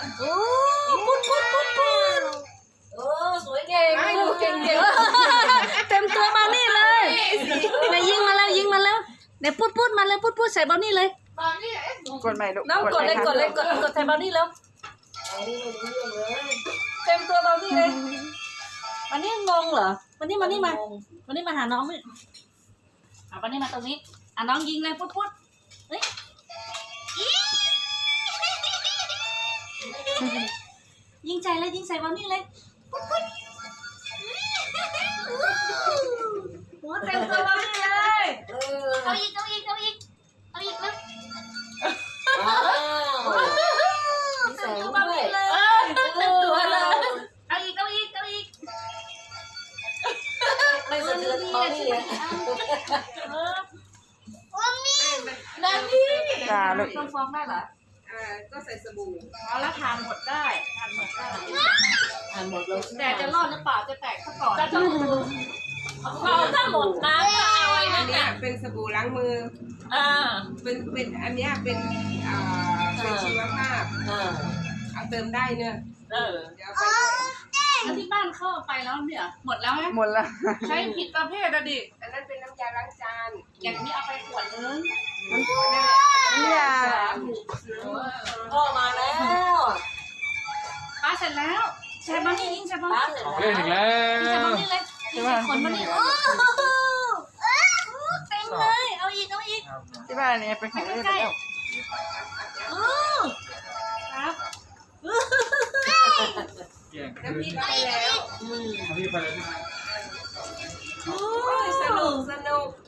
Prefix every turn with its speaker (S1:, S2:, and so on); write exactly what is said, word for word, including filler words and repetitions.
S1: โอ้พุดพุดพุดพุดโอ้สวยเก่งเก่งเก่งเต็มตัวมานี่เลยเนี่ยยิงมาแล้วยิงมาแล้วเนี่ยพุดพุดมาเลยพุดพุดใส่เบานี่เลย
S2: กดใหม่ลูก
S1: น้องกดเลยกดเลยกดกดใส่เบานี่แล้วเต็มตัวเบานี่เลยวันนี้งงเหรอวันนี้มานี่มาวันนี้มาหาน้องนี่เอาวันนี้มาตรงนี้อ่ะน้องยิงเลยพุดพุดเฮ้ยยิงใจเลยยิงใส่เบานี่เลยพุดพุดหัวเต็มตัวเบานี่เลยเอาอีกเอาอีกเอาอีกเอาอีกแล้วเต็มตัวเบานี่เลยเต็มตัวเลยเอาอีกเอาอีกเอาอีกไม่สะเทือนเบานี่เลยนั่นนี่
S2: จ้าลูก
S1: ต้องฟ้องได้เหรอ
S3: อ่าก็ใส่สบู่
S1: เอาแล้วทานหมดได้ทานหมดได้ทานหมดเลยแต่จะรอดหรือเปล่าจะแตกซะก่อนจะต้องเอาถ้าหมดน้ำก็เอาไอ้
S3: อั
S1: นั่
S3: น
S1: น
S3: เนี้ย
S1: น่ะ
S3: เป็นสบู่ล้างมือ
S1: อ่า
S3: เป็นเป็นอันเนี้ยเป็นอ่าเป็นชีวภาพ
S1: อ่า
S3: เอาเติมได้เนอะ
S1: เออ
S3: เดี๋ยวเอาไป
S1: แล้วที่บ้านเข้าไปแล้วเนี่ยหมดแล้วไหม
S2: หมดละ
S1: ใช้ผิดประเภทอะดิ
S3: อันนั้นเป็นน้ำยาล้างจาน
S1: อย่างนี้เอาไปขวดนึง
S3: นั่นแหละ
S2: น้ำยา
S1: พ่อมาแล้วป้าเสร็จแล้วใช้บอนี่ยิงใช้บอนี่
S4: เล่นอีกแล้
S1: ยิงใช้บอ
S4: ว
S1: นี่เลยยิงใส่ขนบอนี่โอ้เต็มเลยเอาอีกเอาอีก
S2: ที่บ้านนี้เป็นของเล่นไปแล้ว
S1: โอ้ครับ
S4: เก่ง
S3: น้ำพริกเอาไปแล้ว
S4: พี่ไปเลยใช่ไหม
S1: โอ้
S3: โอ้ยสนุกสนุก